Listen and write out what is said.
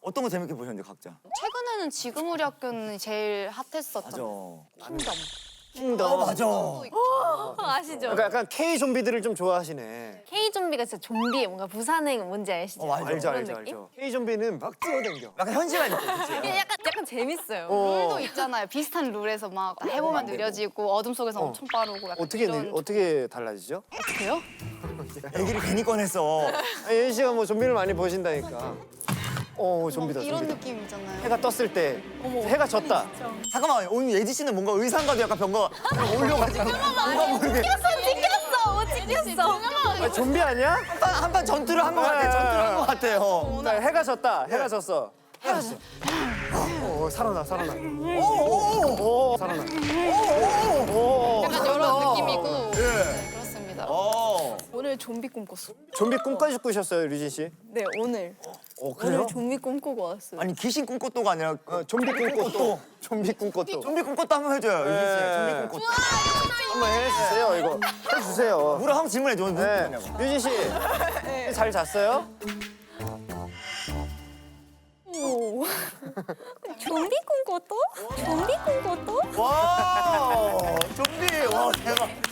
어떤 거 재밌게 보셨는데 각자? 최근에는 지금 우리 학교는 제일 핫했었죠. 맞아. 킹덤. 맞아. 아시죠? 그러니까 약간 K 좀비들을 좀 좋아하시네. K 좀비가 진짜 좀비에 뭔가 부산행 뭔지 아시죠? 알죠. 알죠, 그런 알죠, 느낌? 알죠. K 좀비는 막 뛰어댕겨. 약간 현실감 있고, 그치? 이게 약간 재밌어요. 룰도 있잖아요. 비슷한 룰에서 막 해보면 느려지고 어둠 속에서 엄청 빠르고 약간 이런. 어떻게 달라지죠? 어떻게요? 얘기를 괜히 꺼냈어. 아니, 예은 씨가 뭐 좀비를 많이 보신다니까. 좀비다, 이런 좀비다. 느낌이잖아요. 해가 떴을 때 해가 졌다. 잠깐만, 오늘 예지 씨는 뭔가 의상과도 약간 변가 올려가지고. 뭔가 모르게. 찍혔어. 아, 좀비 아니야? 한판 전투를 한 것 같아. 전투를 한 것 같아요. 나 해가 졌다. 해가 졌어. 해가 졌어. 살아나. 살아나. 약간 이런 느낌이고. 예. 그렇습니다. 오늘 좀비 꿈꿨어. 좀비 꿈까지 꾸셨어요, 류진 씨? 네, 오늘. 그래요? 오늘 좀비 꿈꾸고 왔어요. 아니, 귀신 꿈꽃도가 아니라 좀비 꿈꽃도. 좀비 꿈꽃도. 좀비 꿈꽃도 한번 해줘요, 예지 씨. 좀비 꿈꽃도. 한번 해주세요, 이거. 해주세요. 뭐라 한번 질문해줘. 무슨 네. 뜻이냐고. 류진 씨, 잘 잤어요? 좀비 꿈꿨어? 좀비 꿈꿨어? 와, 좀비. 와, 대박.